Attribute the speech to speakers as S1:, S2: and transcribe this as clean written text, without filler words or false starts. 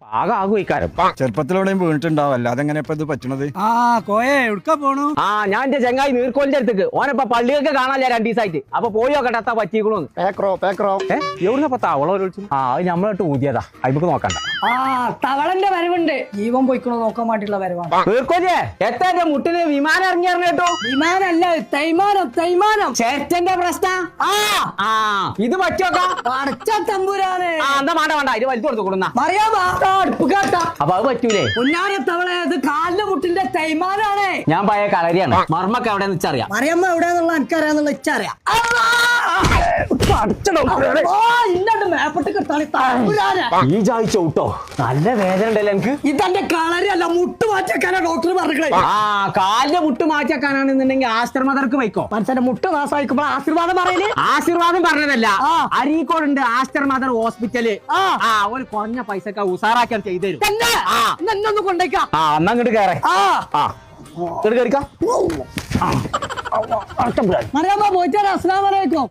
S1: ആകെ ആകും
S2: ചെറുപ്പത്തിലൂടെയും വീണിട്ടുണ്ടാവും, അല്ലാതെ എങ്ങനെ ഇപ്പൊ ഇത് പറ്റണത്?
S1: ഞാൻ എന്റെ ചെങ്ങായി നീർക്കോലിന്റെ അടുത്തേക്ക് ഓനപ്പ പള്ളിയൊക്കെ കാണാല്ലേ 2 ദിവസമായിട്ട്. അപ്പൊ പോയി നോക്കട്ടെ എത്താ പറ്റിക്കണോന്ന്. എവിടുന്നപ്പ തവള വിളിച്ചു? അത് നമ്മളോട്ട് ഊതിയതാ, അയ്മക്ക് നോക്കണ്ട.
S3: തവളന്റെ വരവുണ്ട്, ജീവൻ പോയിക്കണോ നോക്കാൻ വേണ്ടിയുള്ള വരവാണ്.
S1: നീർക്കോലിയെ എത്താ മുട്ടിന് വിമാനം ഇറങ്ങി കേട്ടോ.
S3: വിമാനല്ല, തൈമാനം.
S1: ചേട്ടന്റെ പ്രശ്നം ഇത് പറ്റോക്കാ
S3: അടച്ച തമ്പുരാനെ.
S1: എന്താ വേണ്ട ഇത് വലിച്ചു കൊടുത്തു കൊടുന്ന
S3: അറിയാമോ അടുപ്പ് കേട്ട.
S1: അപ്പൊ അത് പറ്റൂലേ?
S3: പൊന്നാര തവള, ഇത് കാലിന്റെ മുട്ടിന്റെ തൈമാനാണ്.
S1: ഞാൻ പഴയ കളരിയാണ്. മർമ്മൊക്കെ എവിടെ വെച്ചറിയാം.
S3: അറിയാമ്മ എവിടെയാന്നുള്ള എനിക്കറിയാന്നുള്ള ഇച്ചറിയാം.
S1: ഈ ചായച്ച ഊട്ടോ നല്ല വേദന ഉണ്ടല്ലോ എനിക്ക്.
S3: ഇതെന്റെ കളരിയല്ല, മുട്ട് മാറ്റിയാക്കാനാ ഡോക്ടർ പറഞ്ഞത്.
S1: കാലിന്റെ മുട്ട് മാറ്റിയാക്കാനാണെന്നുണ്ടെങ്കിൽ ആസ്റ്റർമദർക്ക് വയ്ക്കോ.
S3: മനുഷ്യന്റെ മുട്ട് നാശമായിക്കുമ്പോ ആശീർവാദം പറയല്.
S1: ആശീർവാദം പറഞ്ഞതല്ല, അരീക്കോടുണ്ട് ആസ്റ്റർ മദർ ഹോസ്പിറ്റല്. ഒരു കുറഞ്ഞ പൈസക്ക് ഉസാറാക്കാൻ ചെയ്തുതരും.
S3: എന്നൊന്ന് കൊണ്ടേക്കാം.
S1: എന്നാ അങ്ങോട്ട് കയറേ.
S3: അറിയാമോ പോയിട്ടാ. അസ്സലാമു അലൈക്കും.